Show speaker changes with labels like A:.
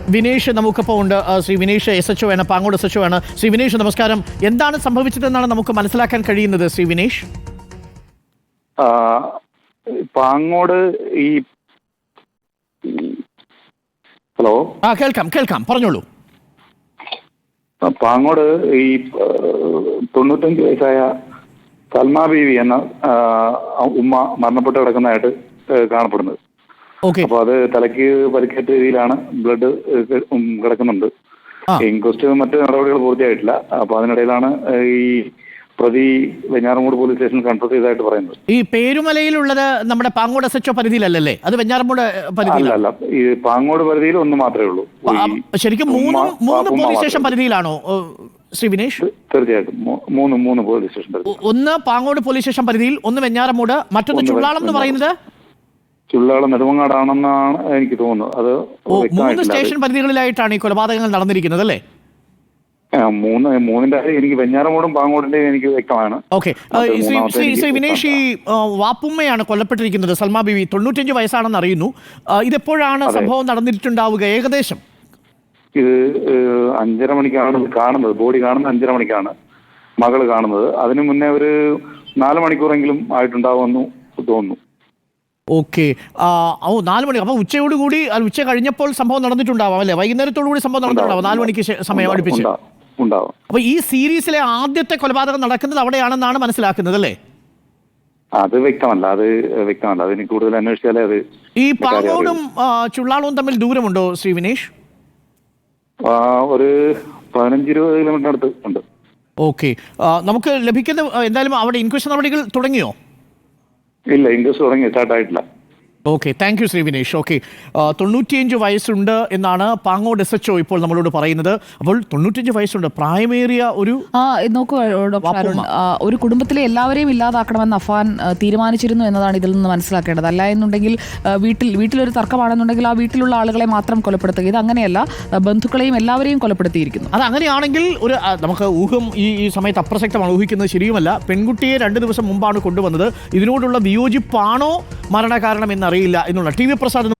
A: വിനേഷ് നമുക്കിപ്പോൾ ഉണ്ട്. ശ്രീ വിനേഷ് SHO ആണ്, പാങ്ങോട് SHO ആണ്. ശ്രീ വിനേഷ് നമസ്കാരം. എന്താണ് സംഭവിച്ചതെന്നാണ് നമുക്ക് മനസ്സിലാക്കാൻ കഴിയുന്നത് ശ്രീ വിനേഷ്?
B: പാങ്ങോട് ഈ ഹലോ
A: കേൾക്കാം പറഞ്ഞോളൂ.
B: പാങ്ങോട് ഈ 95 വയസ്സായ സൽമാ ബീവി എന്ന ഉമ്മ മരണപ്പെട്ട് കിടക്കുന്നതായിട്ട് കാണപ്പെടുന്നത്. അപ്പൊ അത് തലയ്ക്ക് പരിക്കേറ്റ രീതിയിലാണ്, ബ്ലഡ് കിടക്കുന്നുണ്ട്. ഇൻക്വസ്റ്റ് മറ്റ് നടപടികൾ പൂർത്തിയായിട്ടില്ല. അപ്പൊ അതിനിടയിലാണ് ഈ പ്രതി വെഞ്ഞാറമൂട് പോലീസ് സ്റ്റേഷൻ കൺഫ്രസ് ചെയ്തതായിട്ട് പറയുന്നത്.
A: ഈ പേരുമലയിലുള്ളത് നമ്മുടെ പാങ്ങോട് SHO പരിധിയിലല്ലേ? അത് വെഞ്ഞാറമൂട്
B: അല്ല, ഈ പാങ്ങോട് പരിധിയിൽ ഒന്ന് മാത്രമേ ഉള്ളൂ.
A: ശരിക്കും മൂന്ന് പോലീസ് സ്റ്റേഷൻ പരിധിയിലാണോ ശ്രീ വിനേഷ്?
B: തീർച്ചയായിട്ടും മൂന്ന് പോലീസ് സ്റ്റേഷൻ പരിധി.
A: ഒന്ന് പാങ്ങോട് പോലീസ് സ്റ്റേഷൻ പരിധിയിൽ, ഒന്ന് വെഞ്ഞാറമൂട്, മറ്റൊന്ന് ചുള്ളാളം എന്ന് പറയുന്നത്
B: ചുള്ളാളം നെടുമങ്ങാടാണെന്നാണ് എനിക്ക് തോന്നുന്നത്. അത്
A: 3 സ്റ്റേഷൻ പരിധികളിലായിട്ടാണ് ഈ കൊലപാതകങ്ങൾ നടന്നിരിക്കുന്നത് അല്ലേ?
B: മൂന്നിന്റെ എനിക്ക് വെഞ്ഞാറമൂടും പാങ്ങോടിന്റെ എനിക്ക് വ്യക്തമാണ്.
A: ഓക്കെ, ശ്രീ വിനേഷ്, ഈ വാപ്പുമ്മയാണ് കൊല്ലപ്പെട്ടിരിക്കുന്നത്, സൽമാ ബീവി. 95 വയസ്സാണെന്ന് അറിയുന്നു. ഇതെപ്പോഴാണ് സംഭവം നടന്നിട്ടുണ്ടാവുക ഏകദേശം?
B: ഇത് 5:30 മണിക്കാണ് കാണുന്നത്. ബോഡി കാണുന്നത് 5:30 മണിക്കാണ് മകള് കാണുന്നത്. അതിനു മുന്നേ ഒരു 4 മണിക്കൂറെങ്കിലും ആയിട്ടുണ്ടാവുമെന്ന് തോന്നുന്നു.
A: ഓക്കെ, 4 മണി. അപ്പൊ ഉച്ചയോടുകൂടി, ഉച്ച കഴിഞ്ഞപ്പോൾ സംഭവം നടന്നിട്ടുണ്ടാവാം അല്ലെ? വൈകുന്നേരത്തോടു കൂടി സംഭവം നടന്നിട്ടുണ്ടാവും, 4 മണിക്ക് സമയം അടുപ്പിച്ച്. അപ്പൊ ഈ സീരീസിലെ ആദ്യത്തെ കൊലപാതകം നടക്കുന്നത് അവിടെയാണെന്നാണ് മനസ്സിലാക്കുന്നത് അല്ലേ?
B: അത് വ്യക്തമല്ല. അതിന് കൂടുതൽ അന്വേഷിച്ചാലേ അത്.
A: ഈ പാങ്ങോടും ചുള്ളാളവും തമ്മിൽ ദൂരമുണ്ടോ ശ്രീ വിനേഷ്?
B: ഒരു 15-20 കിലോമീറ്റർ അടുത്ത് ഉണ്ട്.
A: ഓക്കെ, നമുക്ക് ലഭിക്കുന്ന എന്തായാലും അവിടെ ഇൻക്വസ്റ്റ് നടപടികൾ തുടങ്ങിയോ?
B: ഇല്ല, ഇൻക്വസ്റ്റ് തുടങ്ങി, സ്റ്റാർട്ടായിട്ടില്ല.
A: Okay, thank you Shri Vinesh. Okay, 95 വയസ്സുണ്ട് എന്നാണ് പാങ്ങോട് SHO ഇപ്പോൾ നമ്മളോട് പറയുന്നത്. അപ്പോൾ 95 വയസ്സുണ്ട്, പ്രായമേറിയ ഒരു
C: നോക്കൂ ഡോക്ടർ അരുൺ, ഒരു കുടുംബത്തിലെ എല്ലാവരെയും ഇല്ലാതാക്കണമെന്ന് അഫാൻ തീരുമാനിച്ചിരുന്നു എന്നതാണ് ഇതിൽ നിന്ന് മനസ്സിലാക്കേണ്ടത്. അല്ല എന്നുണ്ടെങ്കിൽ വീട്ടിലൊരു തർക്കമാണെന്നുണ്ടെങ്കിൽ ആ വീട്ടിലുള്ള ആളുകളെ മാത്രം കൊലപ്പെടുത്തുക. ഇത് അങ്ങനെയല്ല, ബന്ധുക്കളെയും എല്ലാവരെയും കൊലപ്പെടുത്തിയിരിക്കുന്നു.
A: അത് അങ്ങനെയാണെങ്കിൽ നമുക്ക് ഊഹം ഈ സമയത്ത് അപ്രസക്തമാണ്, ഊഹിക്കുന്നത് ശരിയുമല്ല. പെൺകുട്ടിയെ 2 ദിവസം മുമ്പാണ് കൊണ്ടുവന്നത്. ഇതിനോടുള്ള വിയോജിപ്പാണോ മരണകാരണം എന്നറിയില്ല എന്നുള്ള TV പ്രസാദ്